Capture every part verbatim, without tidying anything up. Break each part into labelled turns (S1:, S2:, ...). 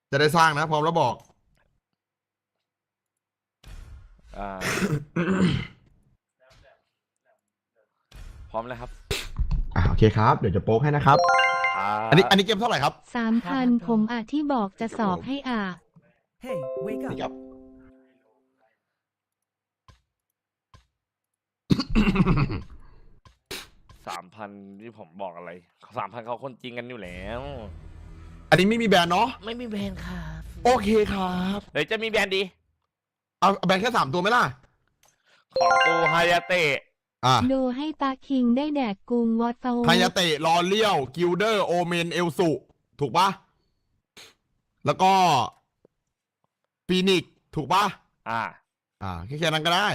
S1: จะได้สร้างนะพร้อมแล้วบอก
S2: อ่า พร้อมแล้วครับ
S1: อ่าโอเคครับเดี๋ยวจะโป๊กให้นะครับอันนี้อันนี้เกมเท่าไหร่ครับ
S3: สามพันผมอ่ะที่บอกจะสอบให้อ่ะ
S4: Hey, wake
S1: นี่
S4: up.
S1: ครับ
S2: สามพันที่ผมบอกอะไรสามพันเขาคนจริงกันอยู่แล้ว
S1: อันนี้ไม่มีแบรนด์เนาะ
S2: ไม่มีแบรนด์ครับ
S1: โอเคครับ
S2: เดี๋ยวจะมีแบรนด์ดี
S1: เอาแบรนด์แค่สามตัวไหมล่ะ
S2: ของกูฮายาเตะ
S1: อ่า
S3: ดูให้ตาคิงได้แดกกุงวอตเฟล
S1: ไฮยาเตะลอเลียวกิลเดอร์โอเมนเอลสุถูกปะแล้วก็ฟีนิกถูกปะ
S2: อ่า
S1: อ่าแค่แค่นั้นก็ได้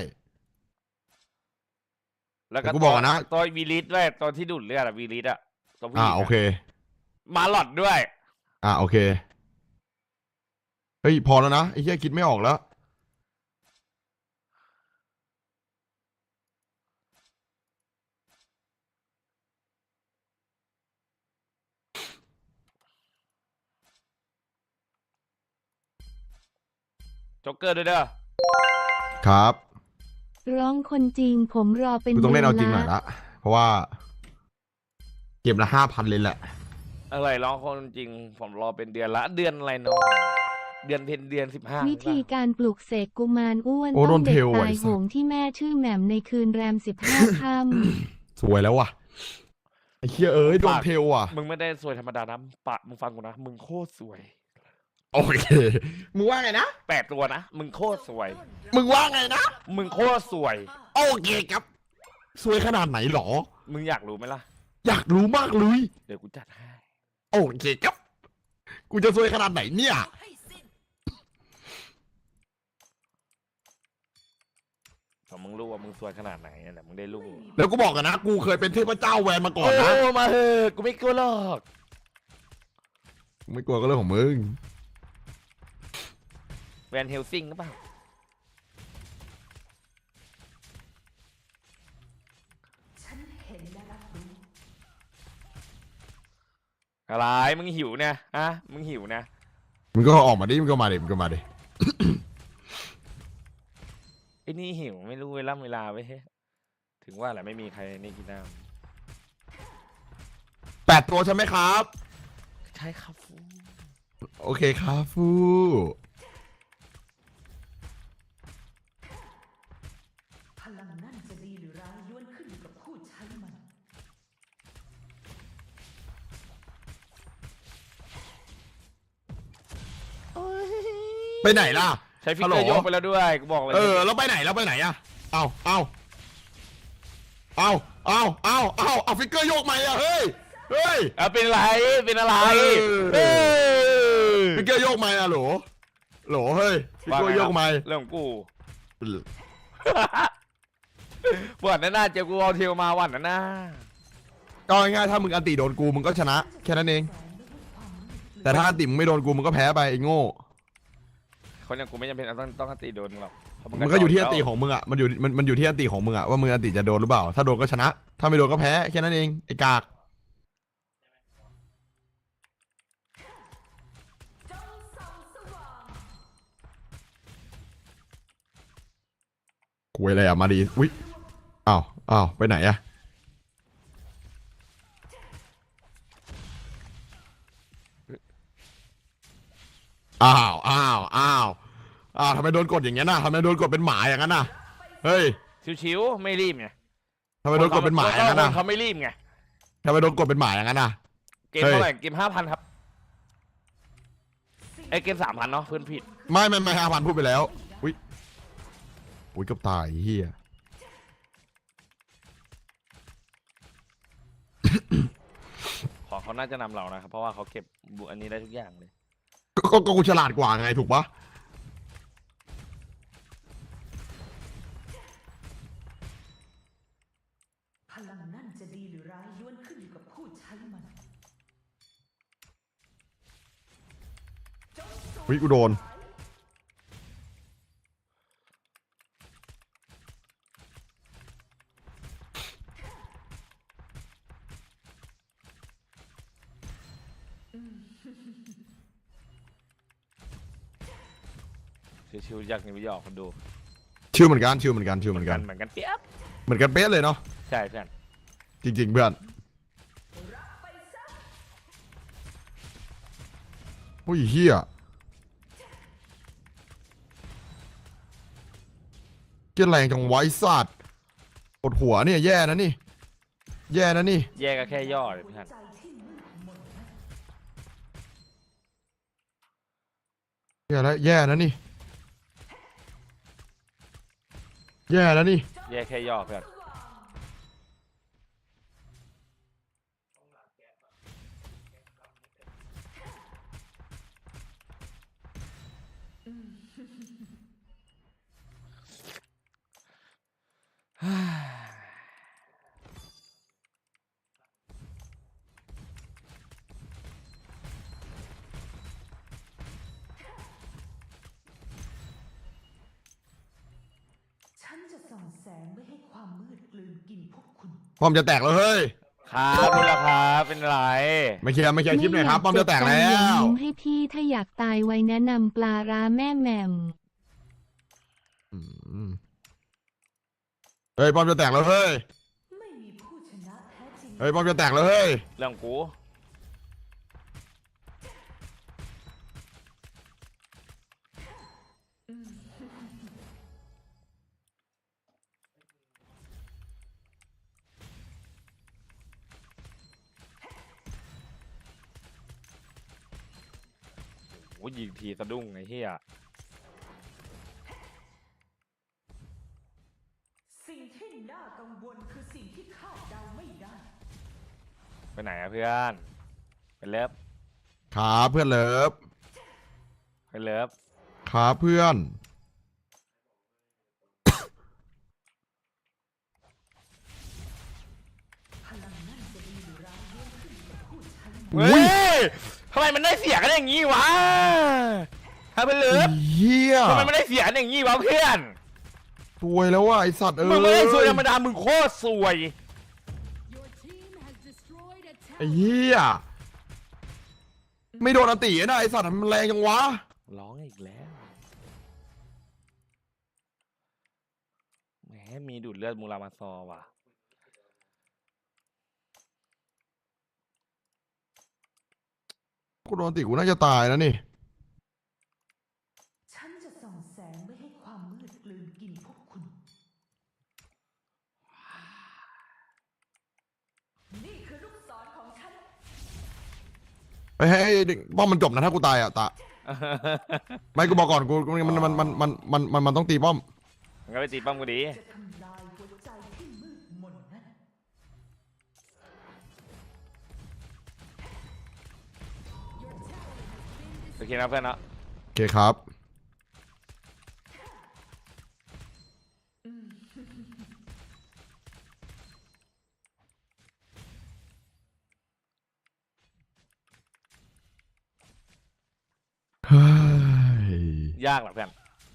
S2: แล้วก็
S1: แต่กูบอกนะ
S2: ตัววีลิสด้วยตัวที่ดูดเลือดอะวีลิสอะตัวผู้ห
S1: อ่า
S2: ญิง
S1: โอเค
S2: มาหลอดด้วย
S1: อ่าโอเคเฮ้ยพอแล้วนะไอ้เหี้ยคิดไม่ออกแล้ว
S2: จ็อกเกอร์ด้วยเด้อ
S1: ครับ
S3: ร้องคนจริงผมรอเป็น
S1: กูต้องเล่นเอาจริงหน่อย
S3: ละ
S1: ละเพราะว่าเก็บละห้าพันเลยแหละ
S2: อะไรร้องคนจริง ผมรอเป็นเดือนละ เดือนอะไรเนาะเดือนเพนเดือนสิบห้า
S3: วิธีการปลูกเสกกุมารอ้วน
S1: โอ้
S3: ต้
S1: โด
S3: อง
S1: น
S3: เด็
S1: เท
S3: ก
S1: ล
S3: ตา
S1: ไว้
S3: ยโห
S1: สัส
S3: งที่แม่ชื่อแหม่มในคืนแรมสิบห้าค่
S1: สวยแล้วว่ะไอ้เหี้ยเอ้ยโดนเทลว่ะ
S2: มึงไม่ได้สวยธรรมดานะปะมึงฟังกูนะ มึงโคตรสวย
S1: โอเคมึงว่าไงนะ
S2: แปดตัวนะ มึงโคตรสวย
S1: มึงว่าไงนะ
S2: มึงโคตรสวย
S1: โอเคครับ สวยขนาดไหนหรอ
S2: มึงอยากรู้ไหมล่ะ
S1: อยากรู้มากเลย
S2: เดี๋ยวกูจัดให้
S1: โอเคครับ กูจะสวยขนาดไหนเนี่ย
S2: พอมึงรู้ว่ามึงสวยขนาดไหนนั่นแหละมึงได้รู้
S1: แล้วกูบอกกันนะ กูเคยเป็นเทพเจ้าแวนมาก่อน
S2: โอ้
S1: นะ
S2: มาเถอะกูไม่กลัวหรอก
S1: ไม่กลัวก็เรื่องของมึง
S2: แวนเฮลซิงหรือเปล่าอะไรมึงหิวเนี่ยฮะมึงหิวนะ
S1: มึงก็ออกมาดิ มึงก็มาดิ มึงก็มาดิ
S2: ไอ้นี่หิวไม่รู้เวลาเวลาไว้เฮ้ยถึงว่าแหละไม่มีใครนี่กินน้
S1: แปดตัวใช่ไหมครับ
S2: ำใช่ครับฟู
S1: โอเคครับฟู
S5: พลังนั่นจะดีหรือร้ายล้วนขึ้นอยู่กับผู้ใช้มัน
S1: ไปไหนล่ะ
S2: ใช้ฟิกเกอร์โยกไปแล้วด้วยกูบอกเลย
S1: เออ แล้วไปไหนแล้วไปไหนอะเอาเอาเอาเอาเอาเอาเอาฟิกเกอร์โยกใหม่อะเฮ้ย เฮ้ย
S2: เอาเป็นอะไรเป็นอะไร
S1: เออ
S2: เออ
S1: ฟิกเกอร์โยกใหม่อะโหลโหลเฮ้ย ฟิกเกอร์โยกใหม่
S2: เรื่องของกูวันนั้นน่าเจอกูเอาเทลมาวันนั้นน่า
S1: ก็ง่ายๆถ้ามึงอันติโดนกูมึงก็ชนะ แค่นั้นเอง แต่ถ้าอันติมึงไม่โดนกูมึงก็แพ้ไปไอ้โง่
S2: คนอย่างกูไม่จำเป็นต้องต้องตีโดนหรอกเพราะ
S1: มันก็อยู่ที่อันติ
S2: แล้ว
S1: ของมึงอะมันอยู่มันมันอยู่ที่อันติของมึงอะว่ามึงอันติจะโดนหรือเปล่า ถ้าโดนก็ชนะ ถ้าไม่โดนก็แพ้แค่นั้นเองไอ้กากคุยอะไรอะมาดีอุ๊ยอ้าวอ้าวไปไหนอะอ้าวอ้าวอ้าวอ้าวทำไมโดนกดอย่างเงี้ยน่ะทำไมโดนกดเป็นหมาอย่างนั้นน่ะเฮ้ย
S2: ชิวๆไม่รีบไง
S1: ทำไมโดนกดเป็นหมาอย่างนั้นน่ะ
S2: เขาไม่รีบไง
S1: ทำไมโดนกดเป็นหมาอย่างนั้นน่ะ
S2: เกมเท่าไหร่เกมห้าพันครับไอเกมสามพันเนาะเพื่อนผิด
S1: ไม่ไม่ไม่ห้าพันพูดไปแล้วอุ้ยอุ้ยเกับตายเฮีย
S2: ขอเขาน่าจะนำเรานะครับเพราะว่าเขาเก็บบุอันนี้ได้ทุกอย่างเลย
S1: ก็ก็ก็กูฉลาดกว่าไงถูกปะ
S5: พลังนั่นจะดีหรือร้ายล้วนขึ้นอยู่กับผู้ใช้มัน
S1: อุ้ยกูโดน
S2: ชิวๆจากนิวยอร์กคนดู
S1: ชิวเหมือนกันชิวเหมือนกันชิวเหมือนกัน
S2: เหมือนกันเปียบ
S1: เหมือนกันเป๊ะเลยเนาะ
S2: ใช่เพื่อน
S1: จริง ๆ เพื่อนโอ้ยเฮียเกียร์แรงจังไว้สัตว์ปวดหัวเนี่ยแย่นะนี่ แย่นะนี่
S2: แยกก็แค่ย่อเลยเพื่อน
S5: ใจที่มืดมนนั้น
S1: แย่แล้วแย่นะนี่ แย่แล้วนี่
S2: แยกแค่ย่อเพื่อน
S5: ฉันจะส่องแสงไม่ให้ความมืดกลืนกินพวกคุณ
S1: ป้อมจะแตกแล้วเฮ้ย
S2: ครับนี่แหละครับเป็นไร
S1: ไม่เคลียร์ไม่เคลียร์คลิปหน่อยครับป้อมจะแตกแล้
S3: ไม่อยาว กเจ็บตายอย่ายิ้มให้พี่ถ้าอยากตายไว้แนะนำปลาร้าแม่แหม่ม
S1: อืมเฮ้ยป้อมจะแตกแล้วเฮ้ย
S5: ไม่มีผู้ชนะแท้จริง
S1: เฮ้ยป้อมจะแตกแล้วเฮ้ย
S2: เรื่องกู โอ้ยยิงทีสะดุ้งไอ้เหี้ย
S5: สิ่งที่น่ากังวลคือสิ่งที่คาดเดาไม่ได้
S2: ไปไหนอะเพื่อนไปเลิฟ
S1: ครับเพื่อนเลิฟ
S2: ไปเลิฟ
S1: ครับเพื่อน
S5: พลังนั่นจะดีหรือร้ายล้วนขึ้นอยู่กับผู้ใช้มัน
S2: เฮ้ยทำไมมันได้เสียกันอย่างงี้วะถ้าเป็นเลิฟ
S1: เฮีย
S2: ทำไมมันได้เสียกันอย่างงี้วะเพื่อน
S1: ซวยแล้วว่ะไอสัตว์เอ้ย
S2: มึงไม่ได้ซวยธรรมดามึงโคตรซวย
S1: ไอ้เฮียไม่โดนอตินะไอสัตว์มันแรงจังวะ
S2: ร้องอีกแล้วแหมมีดูดเลือดมูรามาซอว่ะ
S1: กูโดนอติกูน่าจะตายแล้วนี่
S5: ฉันจะส่องแสงไม่ให้ความมืดกลืนกินพวกคุณ นี่คือลูกศรของฉัน
S1: ไปให้ให้ป้อมมันจบนะถ้ากูตายอ่ะตาไม่กูบอกก่อนกูมันมันมันมันมันมันมันต้องตีป้อม
S2: มึงก็ไปตีป้อมกูดี
S5: จะทำลายหัวใจที่มืดมนนั้น
S2: โอเคนะเพื่อนเนาะ
S1: โอเคครับเฮ้ย
S2: ยากเหรอเพื่อน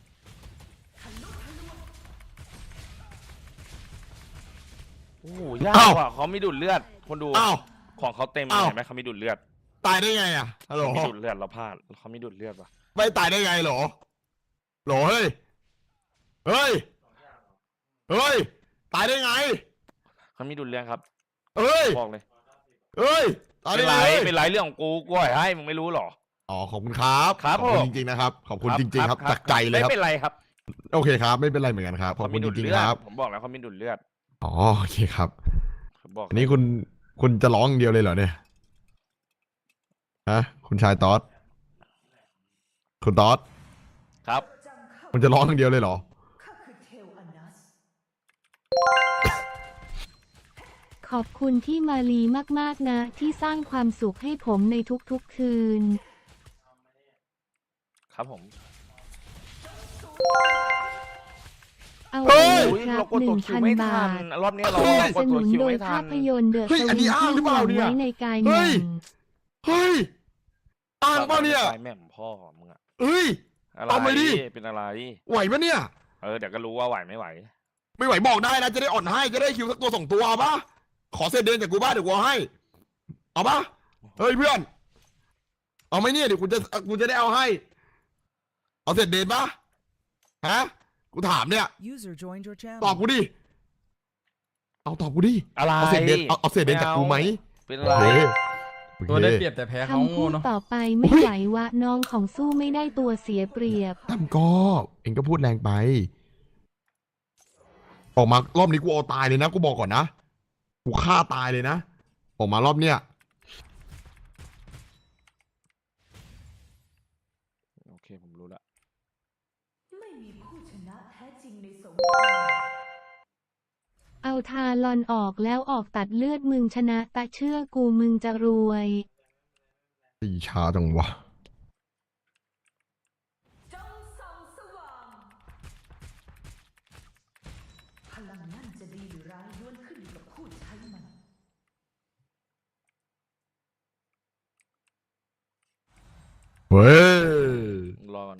S2: โอ้โหยากว่ะเขามีดูดเลือดคนดู
S1: อ้าว
S2: ของเขาเต็ม
S1: อ้าว
S2: เห็นไหมเขามีดูดเลือด
S1: ตายได้ไงอ่ะฮัลโหล
S2: เขามีดูดเลือดเราพลาดเขามีดูดเลือดว่ะ
S1: ไม่ตายได้ไงเหรอเหรอเฮ้ยเฮ้ยเฮ้ยตายได้ไง
S2: เขามีดูดเลือดครับ
S1: เฮ้ย
S2: บอกเลย
S1: เฮ้ยตาย
S2: เป็
S1: ได้
S2: นไร
S1: ไง
S2: เป็นไรเรื่องของกูกูปล่อยให้มึงไม่รู้หรอ
S1: อ๋อขอบคุณครับ
S2: ครับ
S1: ขอบคุณ
S2: ผม
S1: จริงๆนะครับขอบคุณจริงๆครับจากใจเลยครับ
S2: ไม่เป็นไรครับ
S1: โอเคครับ ไม่เป็นไรเหมือนกันครับขอบ
S2: เขา
S1: คุ
S2: มี
S1: ณจ
S2: ดูด
S1: ริง
S2: เลือ
S1: ๆ
S2: ด
S1: ครับ
S2: ผมบอกแล้วเขามีดูดเลือด
S1: อ๋อโอเคครับ
S2: ผมบอก
S1: อันนี้คุณคุณจะร้องอย่างเดียวเลยเหรอเนี่ยฮะคุณชายตอสคุณตอส
S2: ครับ
S5: จำข้า
S1: คุณจะร้องอย่างเดียวเลยเหรอ
S5: ข้าคือเทลอนัส
S3: ขอบคุณที่มาลีมากๆนะ ที่สร้างความสุขให้ผมในทุกๆคืน
S2: ครับผม
S3: เอา
S1: เฮ้
S3: ไป
S1: ย
S3: เลย
S2: อุ๊ย
S3: ครั
S2: เรา
S3: บ
S2: กด
S3: ห
S2: ตั
S3: นึ่
S2: ว
S3: ง
S2: คิว
S3: พัน
S2: ไม่
S3: บา
S2: ทัน
S3: ท
S2: รอบนี้เรา
S1: เฮ้ย
S2: ก
S3: ส
S2: ด
S3: นุ
S2: ตัวน คิว
S3: โดย
S2: ไม่ทั
S3: ภาน พยนตร์เดอะ
S1: เฮ้ย
S3: ส
S1: อันนี้
S3: วิต
S1: อ้างหรือ
S3: ที่
S1: เป
S3: ห
S1: ล่า
S3: วัง
S1: เนี่ย
S3: ไว้ในกาย
S1: เฮ้
S3: แหม่
S1: ย
S3: ม
S1: เฮ้ยอ้างเปล่าเนี่ย
S2: ตายแม่มพ่อมึงอะ
S1: เฮ้ย
S2: อะไร
S1: เอามาดิ
S2: เป็นอะไร
S1: ไหวปะเนี่ย
S2: เออเดี๋ยวก็รู้ว่าไหวไม่ไหว
S1: ไม่ไหวบอกได้นะจะได้อ่อนให้จะได้คิวสักตัวสองตัวเอาปะขอเศษเดินจากกูบ้านเดี๋ยวกูเอาให้ เอาปะเฮ้ยเพื่อน เอาไหมเนี่ยเดี๋ยวกูจะกูจะได้เอาให้ เอาเศษเดินปะฮะกูถามเนี่ย
S4: User joined your channel.
S1: ตอบกูดิเอาตอบกูดิ
S2: อะไร
S1: เอาเศษเดนเอาเอาเศษเดนจากกูไหม
S2: เป็น
S1: โอ
S2: ไร
S1: เคโอ
S6: ตัว
S1: เค
S6: ได้เปรียบแต่แพ้เขา
S3: คำ
S6: โง่
S3: พูด
S6: เนาะ
S3: ต่อไปไม่ไหววะน้องของสู้ไม่ได้ตัวเสียเปรียบ
S1: ตั้มก็เองก็พูดแรงไป ออกมารอบนี้กูเอาตายเลยนะกูบอกก่อนนะกูฆ่าตายเลยนะออกมารอบเนี้ย
S2: โอเคผมรู้ละ
S5: ไม่มีผู้ชนะแท้จริงในสงคราม
S3: เอาทาลอนออกแล้วออกตัดเลือดมึงชนะตะเชื่อกูมึงจะรวย
S1: ตีช้าจังวะ
S5: จงส่องสว่าง พลังนั่นจะดีหรือร้ายล้วนขึ้นอยู่กับผู้ใช้มัน
S1: เฮ้ย
S2: รอก่อน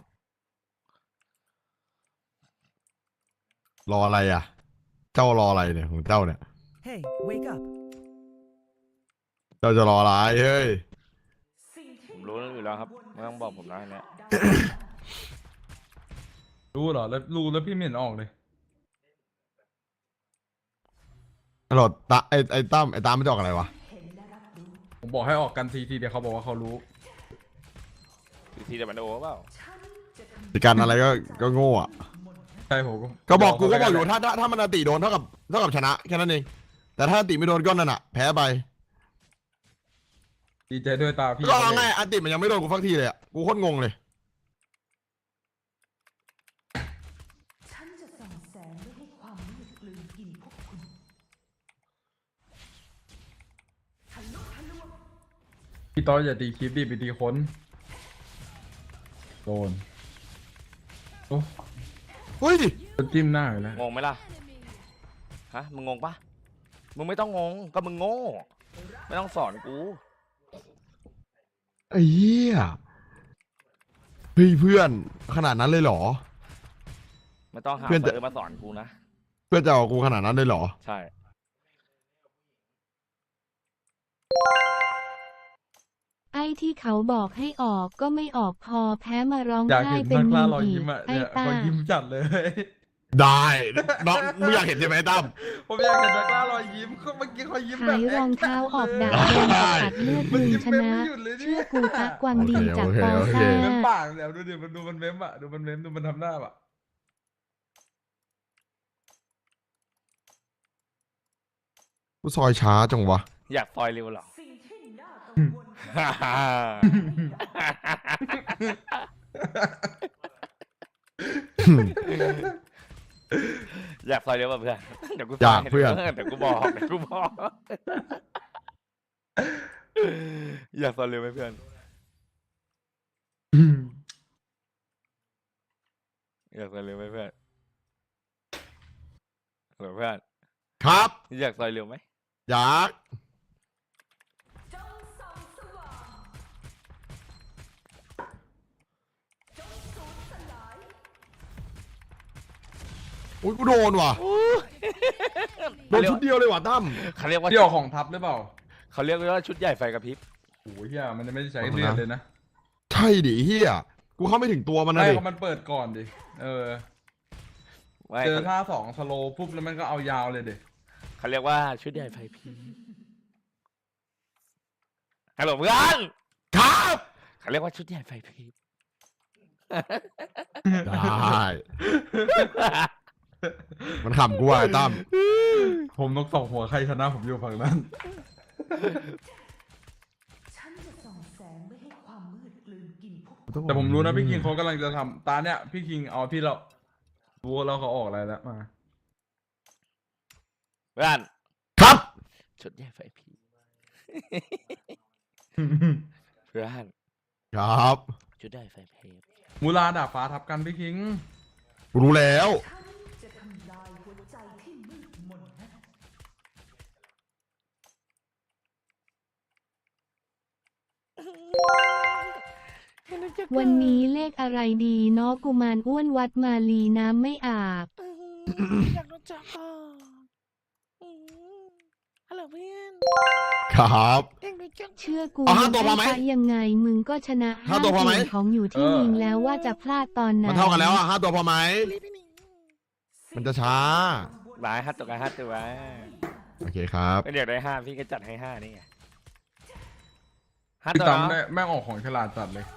S1: รออะไรอ่ะ เจ้ารออะไรเนี่ยของเจ้าเนี่ย
S4: Hey, wake up.
S1: เจ้าจะรออะไรเฮ้ย
S5: สิ่ง
S2: ผ
S5: ที่
S2: มรู้อยู่แล้วครับไม่ต้องบอกผมนะอันเนี้ย
S6: รู้เหรอแล้วรู้แล้วพี่ไม่เห็นออกเลย
S1: ตลอดตาไอไอตั้มไอตามไม่จะออกอะไรวะ
S5: เห็นและรับรู้
S6: ผมบอกให้ออกกันทีทีเดียวเขาบอกว่าเขารู้
S2: ทีทีเดียวมันโอ้เปล่า
S5: ฉันจะทำ
S1: ในการอะไรก็ก็โง่อะ
S5: มนต์นั้น
S6: ใช่ผม
S1: ก็บอกกูก็บอกอยู่ถ้าถ้าถ้ามันอติโดนเท่ากับเท่ากับชนะแค่นั้นเอง แต่ถ้าอติไม่โดนก็นั่นอะแพ้ไป
S6: ดีใจด้วยตาพี่
S1: ก็เอาง่ายอติมันยังไม่โดนกูฟักทีเลยอะกูโคตรงงเลย
S5: ฉันจะส่องแสงไม่ให้ความมืดกลืนกินพวกคุณทะลุทะลวง
S6: พี่ต้อยอย่าตีคลิปดิไปตีคนโดนโอ้
S1: เฮ้ย
S6: จะจิ้มหน้าอยู่แล้ว
S2: งงไหมล่ะฮะมึงงงปะมึงไม่ต้องงงก็มึงโง่ไม่ต้องสอนกู
S1: ไอ้เหี้ยเฮ้ยเพื่อนขนาดนั้นเลยเหรอ
S2: ไม่ต้องหา
S1: เพื่อนจะ
S2: เฟิร์สมาสอนกูนะ
S1: เพื่อนจะเอากูขนาดนั้นเลยเหรอ
S2: ใช่
S3: ไอ้ที่เขาบอกให้ออกก็ไม่ออกพอแพ้มาร้อง
S6: อยาก
S3: ไห้
S6: เห็น
S3: เป็น
S6: นัก
S3: มี
S6: ล่าม รอย
S3: อี
S6: ยิ้
S3: ก
S6: มอ่ะ
S3: ไอ้
S6: เนี่ย
S3: ตา
S6: เขายิ้มจัดเลย
S1: ได้น้องมึงอยากเห็นใช่ไหมตั้ม
S6: ผมอยากเห็นนักล่ารอยยิ้มเขาเมื่อกี้เขายิ้มแบ
S3: ขา
S6: บ
S3: ยรองเท้าออกดาบ
S1: ได้
S3: โดนตัดเลือดมึงชนะ เชื่อกูตะกวางดีจาก
S1: โอเค
S3: ปอ
S1: โอเค
S3: ซ่า
S6: เม้มปากแล้วดูดิมันดูมันเม้มอ่ะดูมันเม้มดูมันทำหน้าอ่ะ
S1: กูซอยช้าจังวะ
S2: อยากซอยเร็วเหรอ
S5: สิ่งที่น่ากังวล
S2: อยากซอยเร็วป่ะเพื่อนเดี๋ยวกู
S1: อยากเพื่อน
S2: เดี๋ยวกูบอกเดี๋ยวกูบอกอยากซอยเร็วไหมเพื่อนอยากซอยเร็วไหมเพื่อนเหรอเพื่อน
S1: ครับ
S2: อยากซอยเร็วไหม
S1: อยาก
S5: จงส่องสว่างจงสูญสลาย
S1: อุ้ยกูโดนว่ะโดนชุดเดียวเลยว่ะตั้ม
S2: เขาเรียกว่า
S6: พี่ออกของทับหรือเปล่า
S2: เขาเรียกว่าชุดใหญ่ไฟกระพริบ
S6: โอ้ยเฮียมันจะไม่ได้ใช้เลือดเลยนะ
S1: ใช่ดิเฮียกูเข้าไม่ถึงตัวมันนะ
S6: ไม่
S1: ดิ
S6: ก็มันเปิดก่อนดิเออ
S2: ไม่
S6: เจอท่าสองสโลว์ปุ๊บแล้วมันก็เอายาวเลยดิ
S2: เขาเรียกว่าชุดใหญ่ไฟพริบฮัลโหลเพื่อน
S1: ครับ
S2: เขาเรียกว่าชุดใหญ่ไฟพริบ
S1: ได้ มันขำกูว่ะไอ้ตั้ม
S6: ผมนกสองหัวใครชนะผมอยู่ฝั่งนั้น
S5: ฉันจะส่องแสงไม่ให้ความมืดกลืนกินพวกคุณ
S6: แต่ผมรู้นะพี่คิงเขากำลังจะทำตาเนี่ยพี่คิงเอาที่เรารู้แล้วเขาออกอะไรแล้วมา
S2: เพื่อน
S1: ครับ
S2: ชุดใหญ่ไฟพริบเพื่อน
S1: ครับ
S2: ชุดใหญ่ไฟพริบ
S6: มูลาดาบฟ้าทับกันพี่คิง
S1: กูรู้แล้ว
S5: ฉันจะทำลายหัวใจที่มืดมนนั้น
S3: วันนี้เลขอะไรดีเนาะกุมารอ้วนวัดมาลีน้ำไม่อาบ
S2: อยากรู้จักอ่ะฮัลโหลเพื่อน
S1: ครับ
S2: อยากรู้
S3: เชื่อกู
S1: เอาห้าตัวพอไหม
S3: ด้ยังไงมึงก็ชนะ
S1: ห้าตัวพอไหม
S3: เสียงของอยู่ที่ยิงแล้วว่าจะพลาดตอนไหน
S1: มันเท่ากันแล้วอ่ะห้าตัวพอไหม มันจะช้า
S2: หลายฮัตตัวกันฮัตตัวไว้
S1: โอเคครับ
S2: เป็นอยากได้ห้าพี่ก็จัดให้ห้านี่ไงฮัต
S6: พี่
S2: ตัว
S6: ตั้ม
S2: เนาะ
S6: ได้แม่งออกของฉลาดจัดเลย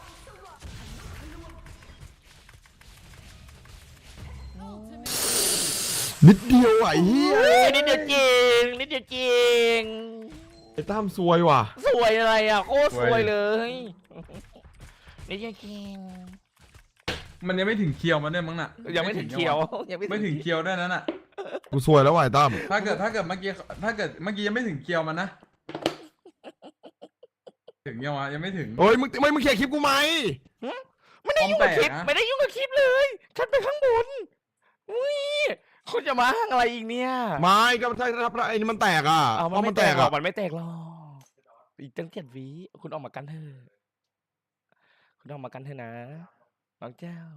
S1: นิดเดียวอ่ะไอ้เหี้ย
S2: เฮ้ยนิดเดียวจริงนิดเดียวจริง
S1: ไอ้ตั้มซวยว่ะ
S2: สวยอะไรอ่ะโคตรสวยเลยนิดเดียวจริง
S6: มันยังไม่ถึงเคียวมันเนี่ยมั้งน่ะ
S2: ยังไม่ถึงเขียวยัง
S6: ไม่ถึงเคียวด้วยนั่นน่ะ
S1: กูซวยแล้วว่ะไอ้ตั้ม
S6: ถ้าเกิดถ้าเกิดเมื่อกี้ถ้าเกิดเมื่อกี้ยังไม่ถึงเคียวมันนะ ถึงยังวะยังไม่ถึง
S1: เฮ้ยมึงไม่มึงเคลียร์คลิปกูไหม
S2: ไม่ได้ยุ่งกับคลิป
S6: ปลอมแปลกนะ
S2: ไม่ได้ยุ่งกับคลิปเลยฉันไปข้างบนอุ้ยคุณจะมาห้างอะไรอีกเนี่ย
S1: ไม่ก็ถ้าถ้าไอ้นี่มันแตกอ่ะ
S2: เอา
S1: เพ
S2: มัน
S1: ราะ
S2: ไม่
S1: มัน
S2: แต
S1: แต
S2: ก
S1: ก
S2: หรอ
S1: อ่ะ
S2: กมันไม่แตกหรอกอีกตั้งเจ็ดวิคุณออกมากันเถอะคุณออกมากันเถอะนะน้องเจ้า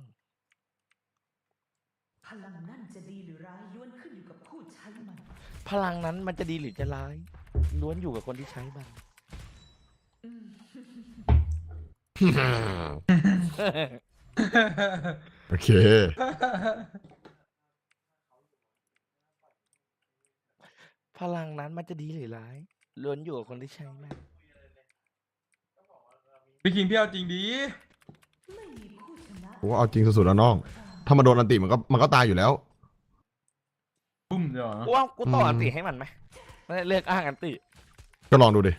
S5: พลังนั่นจะดีหรือร้ายล้วนขึ้นอยู่กับผู้ใช้มัน
S2: พลังนั้นมันจะดีหรือจะร้ายล้วนอยู่กับคนที่ใช้มัน
S1: โอเค
S2: พลังนั้นมันจะดีหรือร้ายล้วนอยู่กับคนที่ใช้มัน
S6: พี่คิงพี่เอาจริงดี
S5: ไม่มีผู้ชนะ
S1: กูว่าเอาจริงสุดๆแล้วน้อง ถ้ามันโดนอันติมันก็มันก็ตายอยู่แล้ว
S6: ปุ้มเดี๋ยวนะ
S2: กูว่ากูต่อ
S1: อืม
S2: อันติให้มันไหมไม่ได้เลือกอ้างอันติ
S1: ก็ลองดูดิ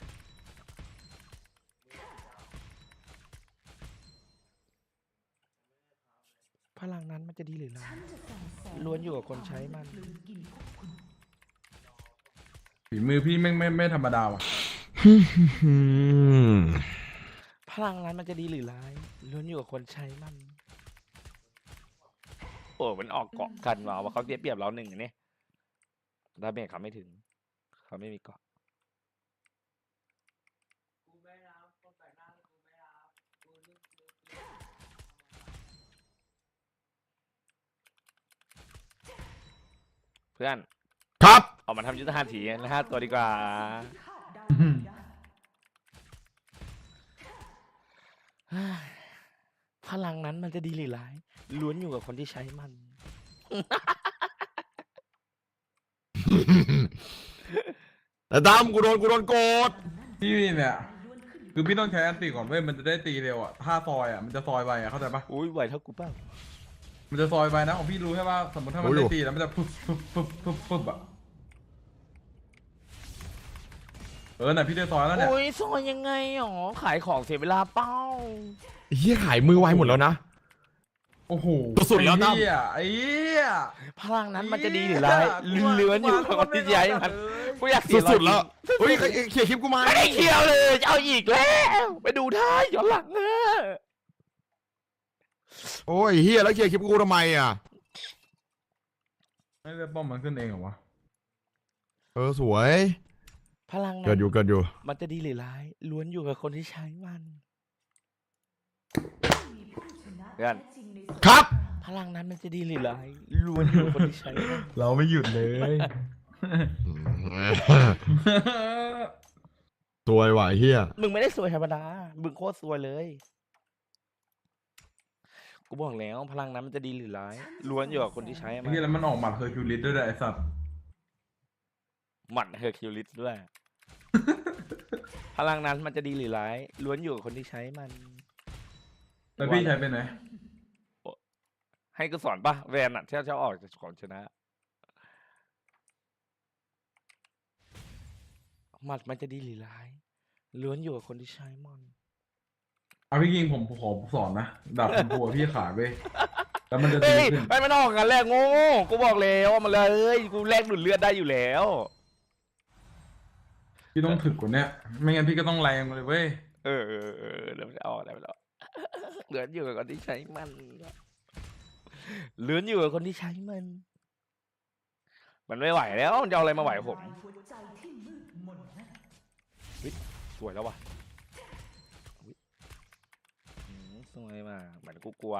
S2: พลังนั้นมันจะดีหรือร้าย
S5: ฉันจะสั่งสอน
S2: ล้วนอยู่กับคนใช้มัน
S5: กลืนกินพวกคุณ
S6: ฝีมือพี่ไม่ไม่ไม่ธรรมดาว่ะ
S2: พลังนั้นมันจะดีหรือร้ายล้วนอยู่กับคนใช้มัน โอ้มันออกเกาะกันว่ะว่าเขาเสียเปรียบเราหนึ่งอันนี้ดาเมจเขาไม่ถึง เขาไม่มีเกาะเพื่อน
S1: ครับ
S2: ออกมาทำยุทธหัตถีนะฮะตัวดีกว่า
S5: คาดเดาไม่ได้
S2: พลังนั้นมันจะดีหรือร้ายล้วนอยู่กับคนที่ใช้มัน
S1: แต่ตั้มกูโดนกูโดนโกด
S6: พี่เนี่ย
S5: ล้วนขึ้นอยู่
S6: คือพี่ต้องใช้อันติก่อนเว้ยมันจะได้ตีเร็วอ่ะถ้าซอยอ่ะมันจะซอยไวอ่ะเข้าใจปะ
S2: อุ้ยไหวเท่ากูเปล่า
S6: มันจะซอยไวนะของพี่รู้ใช่ปะสมมติถ้ามันได้ตีแล้วมันจะปุ๊บปุ๊บปุ๊บปุ๊บปุ๊บอ่ะเออน่ะพี่ได้ซอยแล้วเนี่ย
S2: โอ้ยซอยยังไงหรอขายของเสียเวลาเป้า
S1: ไอ้เหี้ยขายมือไวหมดแล้วนะ
S6: โอ้โห
S1: สุดแล้วนะ
S6: ไอ้เหี้ยไอ้เหี้ย
S2: พลังนั้นมันจะดีหรือร้ายเลื้อนอยู่กับคนที่ใช้มันกูอยากเสีย
S1: สุดๆแล้ว
S2: จริง
S1: เฮ้ยเคลียร์คลิปกูไหม
S2: ไม่ได้เคียวเลยจะเอาอีกแล้ว ไปดูท่าย้อนหลังเนอะ
S1: โอ้ยเฮียแล้วเคลียร์คลิปกูทำไมอ่ะ
S6: ไม่ได้ป้อมมันขึ้นเองเหรอวะ
S1: เออสวย
S2: พลังนั้
S1: เกิด
S2: น
S1: อยู่เกิดอยู่
S2: มันจะดีหรือร้ายล้วนอยู่กับคนที่ใช้มัน
S5: มีผู้ชนะ
S2: เพื่อน
S5: แท้จริงใน
S1: ครับ
S2: พลังนั้นมันจะดีหรือร้ายล้วนอยู่กับคนที่ใช้มัน
S6: เราไม่หยุดเลย
S1: สวยว่ะไอ้เฮีย
S2: มึงไม่ได้สวยธรรมดามึงโคตรสวยเลย กูบอกแล้วพลังนั้นมันจะดีหรือร้ายล้วนอยู่กับคนที่ใช้
S6: ไอ้
S2: มัน
S6: เหี้ยแล้วมันออกหมัดเฮอร์คิวลิสด้วยนะไอ้สัตว์
S2: หมัดเฮอร์คิวลิสด้วย พลังนั้นมันจะดีหรือร้ายล้วนอยู่กับคนที่ใช้มัน
S6: แล้วพี่ใช้เป็นไหน
S2: ให้กูสอนปะแวนอะที่เขาออกจากของชนะ หมัดมันจะดีหรือร้ายล้วนอยู่กับคนที่ใช้มัน
S6: เอาพี่ยิงผมขอสอนนะดาบชมพูอะพี่ขายไปแล้วมันจะตี
S2: เฮ้ย
S6: ขึ้น
S2: ไม่มันออกกันแรกโง่กูบอกแล้วว่ามันเลยกูแลกดูดเลือดได้อยู่แล้ว
S6: พี่ต้องถึกกว่าเนี้ยไม่งั้นพี่ก็ต้องแรงเลยเว้ย
S2: เออเออเออเดี๋ยวมันจะออกได้ไปแล้ว เหลือนอยู่กับคนที่ใช้มันเหลือนอยู่กับคนที่ใช้มัน มันไม่ไหวแล้วมันจะเอาอะไรมาไหวผม
S5: หัวใจที่มืดมนนั้น
S2: สวยแล้วว่ะอุ๊ยอืมสวยมากเหมือนกูกลัว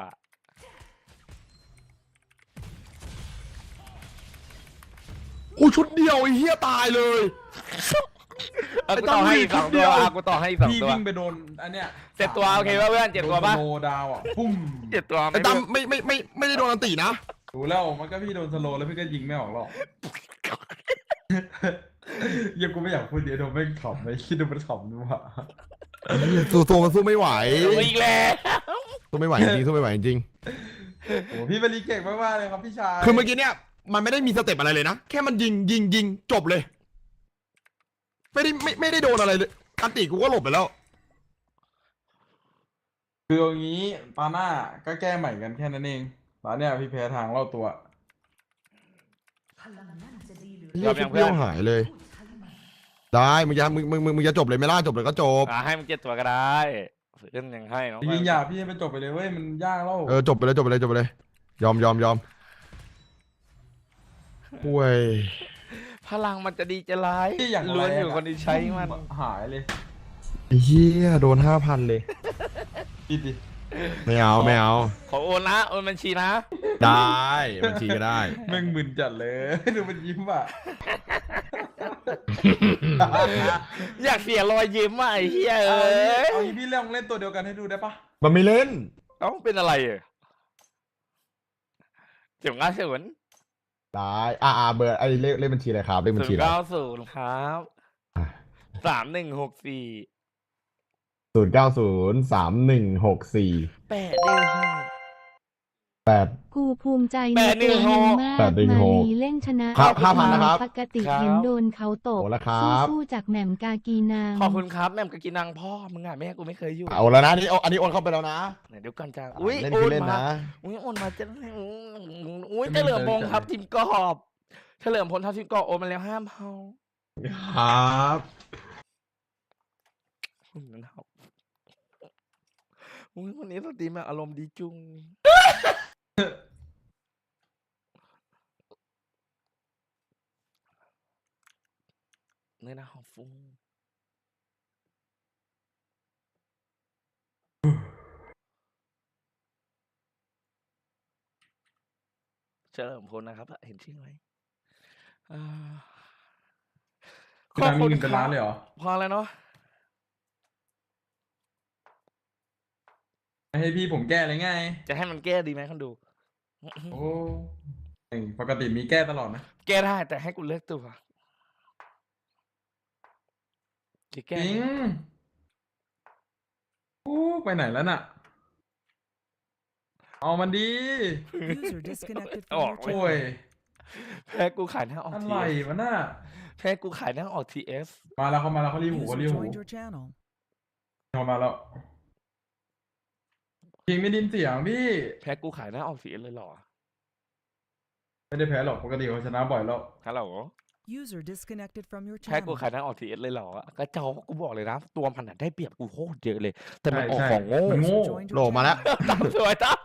S1: กูชุดเดียวไอ้เฮียตายเลย
S2: เอากูต่อให้อีกสองตัวอ่ะกูต่อให้อีกสอง
S6: พี่
S2: ตัว
S6: วิ่งไปโดนอันเนี้ย
S2: เจ็ดตัวโอเคป่ะเพื่อนเจ็ดตัวป่ะ
S6: โดนสโลว์ดาวอ่ะปุ้ม
S2: เจ็ดตัว
S1: ไอ้ตั้มไม่ไม่ไม่ไม่ได้โดนอันตีนะ
S6: ดูแล้วมันก็พี่โดนสโลว์แล้วพี่ก็ยิงไม่ออกหรอกยังกูไม่อยากพูดเดี๋ยวโดนไม่ขำไม่คิดดูมันขำดูว่ะ
S1: สู้สู้มันสู้ไม่ไหว
S2: เอาอีกแล้ว
S1: สู้ไม่ไหวจริงสู้ไม่ไหวจริง
S6: โอ้พี่มารีเก่งมากๆเลยครับพี่ชาย
S1: คือเมื่อกี้เนี่ยมันไม่ได้มีสเต็ปอะไรเลยนะแค่มันยิงยิงยิงจบเลย ไม่ได้ไม่ไม่ได้โดนอะไรเลยอันตีกูก็หลบไปแล้ว
S6: คืออย่างนี้ตาหน้าก็แก้ใหม่กันแค่นั้นเองตอนเนี้ยพี่แพ้ทางเล่าตัว
S5: พลังนั่นจะดีหรือ
S1: เหี้ยชุดเปี้ยวหายเลย
S5: ผู้ใช้มัน
S1: ได้มึงจะมึงมึงมึงมึงจะจบเลยไหม่ล่าจบเลยก็จบ
S2: อ่ะให้มันเจ็ดตัวก็ได้เล่นยังให้น้อง
S6: จริงๆอย่าพี่ให้มันจบไปเลยเว้ยมันยากแล้ว
S1: เออจบไปเลยจบไปเลยจบไปเลย ยอมยอมยอมห่วย
S2: พลังมันจะดีจะร้าย
S6: ที่อย่าง
S2: ล้วน
S6: แร
S2: อง ยู่คนที่ใช้มัน
S6: หายเลย
S1: ไอ้เฮียโดนห้าพันเลย
S6: ดิดิ
S1: ไม่เอาไม่เอา
S2: ขอโอนนะโอนบัญชีนะ
S1: ได้บัญชีก็ได้
S6: แม่งมึนจัดเลย ดูมันยิ้มอ่ะ
S2: อยากเสียรอยยิ้มอ่ะไอ้เหี้ย
S6: เอา
S2: เอ้
S6: งี้
S2: ย
S6: เอางี้พี่เล่นเล่นตัวเดียวกันให้ดูได้ปะ
S1: มันไม่เล่น
S2: เอ้าเป็นอะไรอ่ะเจ็บง่ายเฉย
S1: ได้อ่าอ่าเบอร์ไอ้เลขเลขบัญชีอะไรครับเลขบัญ
S2: ศู
S1: ชี
S2: นย์
S1: อะไร
S2: เก้าศูนย์ครับสามหนึ่งหกสี่
S1: ศูนย์เก้าศูนย์สามหนึ่งหกสี่
S2: แปดหนึ่งหก
S1: แปด
S3: กูภูมิใจ
S2: แป
S3: ใน
S2: ดหนึ่
S3: ตัว
S2: งห
S3: มึ
S2: ก
S3: งมาก
S1: แปดหนึ่ง
S3: มา
S1: หก
S3: ลีเล่นชนะครับ
S1: ห้าพันนะครับ
S3: ปกติ
S2: ครับ
S3: เห็นโดนเขาตก
S1: โอ้ละครับ
S3: สู้ๆจากแหม่มกากีนาง
S2: ขอบคุณครับแม่มกะกินังพ่อมึงอ่ะแม่กูไม่เคยอยู่
S1: เอาแล้วนะนี่เอาอันนี้โอนเข้าไปแล้วนะ
S2: ไหนเดี๋ยวก่อนจ้าอุ้ย
S1: เล่น
S2: โอ
S1: คือน เล่น
S2: มา
S1: นะ
S2: อุ้ยโอนมาจะอุ้ยเฉลิมพงษ์ครับทีมกอบเฉลิมพลทัพทีมกอบโอนมาแล้วห้ามเฮา
S1: ครับ
S2: อืมนั่นครับอุ้ยวันนี้สตรีมแบบอารมณ์ดีจุงเนื้อหนาหอมฟุ้งเฉลิมพลนะครับ เห็นชื่อไหมอ่า
S6: พี่นามีเงินเป็นล้านเลยเหรอ
S2: พอแล้วเนาะ
S6: ไม่ให้พี่ผมแก้เลยไง
S2: จะให้มันแก้ดีไหมคนดู
S6: โอ้ยปกติมีแก้ตลอดนะ
S2: แก้ได้แต่ให้กูเลือกตัวจะแก้
S6: จริงโอ้ไปไหนแล้วน่ะ เอามันดี
S4: User disconnected
S2: อ
S4: from
S2: อก
S4: your
S2: เว้
S6: โอ้
S2: ย
S6: ย
S2: แพ้กูขายหน้าออก
S6: อะ
S2: ที
S6: ไร
S2: เอส
S6: วะน่ะ
S2: แพ้กูขายหน้าออกทีเอส
S6: มาแล้วเขามาแล้วเขารีบหูเขา
S4: User
S6: รีบหู
S4: joined your channel.
S6: เขามาแล้วจริงไม่ไดินเสียงพี่
S2: แพ้กูขายหน้าออกทีเอสเลยเหรอ
S6: ไม่ได้แพ้หรอกปกติเขาชนะบ่อยแล้ว
S2: ฮัลโหล
S4: User disconnected from your
S2: แพ้กู
S4: channel.
S2: ขายหน้าออกทีเอสเลยเหรอกระจอกกูบอกเลยนะ ตัวมันน่ะได้เปรียบกูโคตรเยอะเลย แต่มันออก
S6: ใช่
S2: ของโง่
S6: มันโง่
S4: User joined
S1: โหล
S4: your
S1: มาแล้ว
S4: channel.
S2: ตามสวยจ้า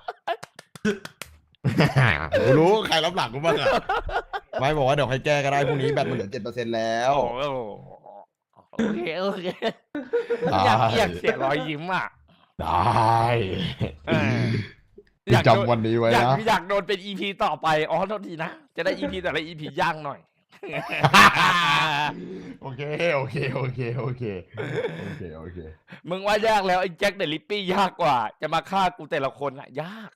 S1: กูรู้ใครรับหลังกูบ้างอะไม่บอกว่าเดี๋ยวใครแก้ก็ได้พรุ่งนี้แบตมันเหลือเจ็ดเปอร์เซ็นต์แล้ว
S2: โอ้โหโอเคโอเคอยากอยากเสียรอยยิ้มอ่ะ
S1: ได้
S2: เอออยากโดน
S1: จำวันนี้ไว้
S2: อยาก
S1: นะ
S2: อยากโดนเป็นอีพีต่อไป อ๋อโทษทีนะ จะได้อีพีแต่ละอีพีย่างหน่อย
S1: โอเคโอเคโอเคโอเคโอเคโอเค
S2: มึงว่ายากแล้วไอ้แจ็คเดอะลิปปี้ยากกว่า จะมาฆ่ากูแต่ละคนอะยาก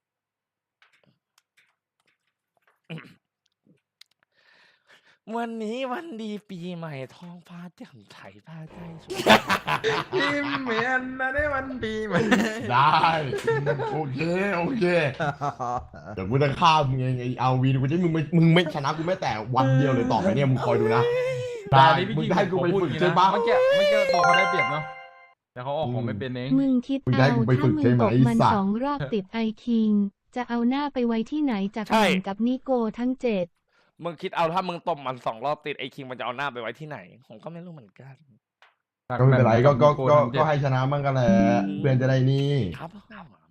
S2: วันนี้วันดีปีใหม่ท้องฟ้าแจ่มใสผ้าใจสวย
S6: พี่เหมือนนะได้วันปีใหม่
S1: ได้โอเคโอเคเดี๋ยวกูจะฆ่ามึงเองไอ้เอาวีกูจะมึงไม่มึงไม่ชนะกูแม้แต่วันเดียวเลยต่อไปเนี่ยมึงคอยดูนะได้
S6: แต่อันนี้พี่
S1: มึง
S6: คิง
S1: จะให้กูไป
S6: ขอพูด
S1: ฝึก
S6: อย่างนี้
S1: ใช่
S6: นะ
S1: ปะ
S6: เมื่อกี้เมื่อกี้ตัวเขาได้เปรียบเนาะแต่เขาออกของไม่เป็นเอง
S3: มึงคิด
S1: มึงได้
S3: เอา
S1: กูไป
S3: ถ้า
S1: ฝึก
S3: มึ
S1: ใช่
S3: ง
S1: ไหม
S3: ตกมัน
S1: ไอ้สัตว์
S3: สองรอบติดไอคิง จะเอาหน้าไปไว้ที่ไหนจาก
S2: ใช่
S3: แหม่มกับนิโกทั้งเจ็ด
S2: มึงคิดเอาถ้ามึงตบมันสองรอบติดไอ้คิงมันจะเอาหน้าไปไว้ที่ไหน ผมก็ไม่รู้เหมือนกัน
S1: ก็ไม่เป็นไรก็ก็ก็
S6: ทำเจ็
S1: ก็
S6: บ
S1: ให้ชนะมั่งกันแหละ
S2: อืม
S1: เพื่อนจะได้นี่
S2: ครับ